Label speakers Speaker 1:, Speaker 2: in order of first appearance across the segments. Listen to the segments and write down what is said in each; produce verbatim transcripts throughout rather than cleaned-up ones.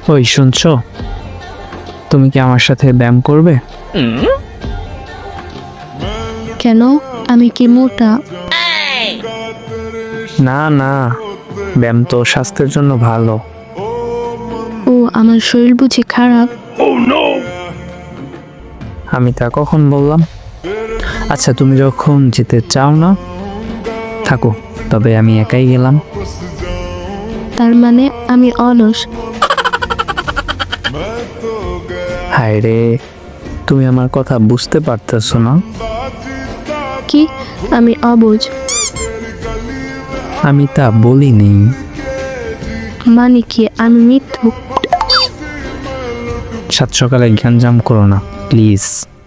Speaker 1: ওই শুনছো, তুমি কি আমার সাথে ব্যায়াম করবে?
Speaker 2: কেন? আমি কি মোটা?
Speaker 1: না না, ব্যায়াম তো স্বাস্থ্যের জন্য ভালো।
Speaker 2: ও, আমার শরীর বুঝি খারাপ?
Speaker 1: আমি তা কখন বললাম? আচ্ছা, তুমি যখন যেতে চাও না, থাকো, তবে আমি একাই গেলাম।
Speaker 2: তার মানে আমি অলস?
Speaker 1: হায় রে, তুমি আমার কথা বুঝতে পারতেছো না।
Speaker 2: কি? আমি অবুঝ?
Speaker 1: আমি তা বলিনি।
Speaker 2: মানে কি আমি মিথ্যু?
Speaker 1: সাত সকালে গ্যাঞ্জাম করো না প্লিজ।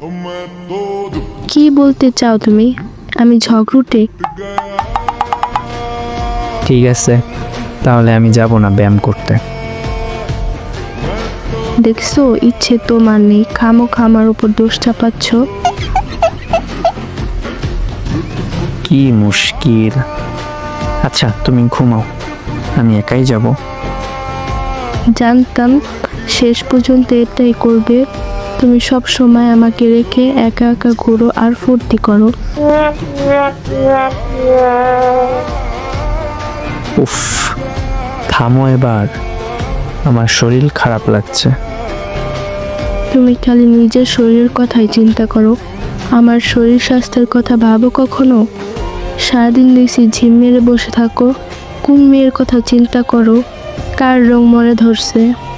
Speaker 2: কি বলতে চাও তুমি? আমি ঝগড়ুটে?
Speaker 1: ঠিক আছে, তাহলে আমি যাব না ব্যায়াম করতে।
Speaker 2: দেখছো, ইচ্ছে তোমার নেই, খামোখা আমার উপর দোষ চাপাচ্ছ।
Speaker 1: কি মুশকিল। আচ্ছা, তুমি ঘুমাও, আমি একাই যাব।
Speaker 2: জানতাম শেষ পর্যন্ত এটাই করবে। তুমি সব সময় আমাকে রেখে একা একা ঘুরো আর ফুর্তি করো।
Speaker 1: উফ, থামো এবার, আমার শরীর খারাপ লাগছে।
Speaker 2: তুমি খালি নিজের শরীরের কথাই চিন্তা করো, আমার শরীর স্বাস্থ্যের কথা ভাবো কখনো? সারাদিন দেখছি ঝিম মেরে বসে থাকো। কোন মেয়ের কথা চিন্তা করো? কার রং মনে ধরছে?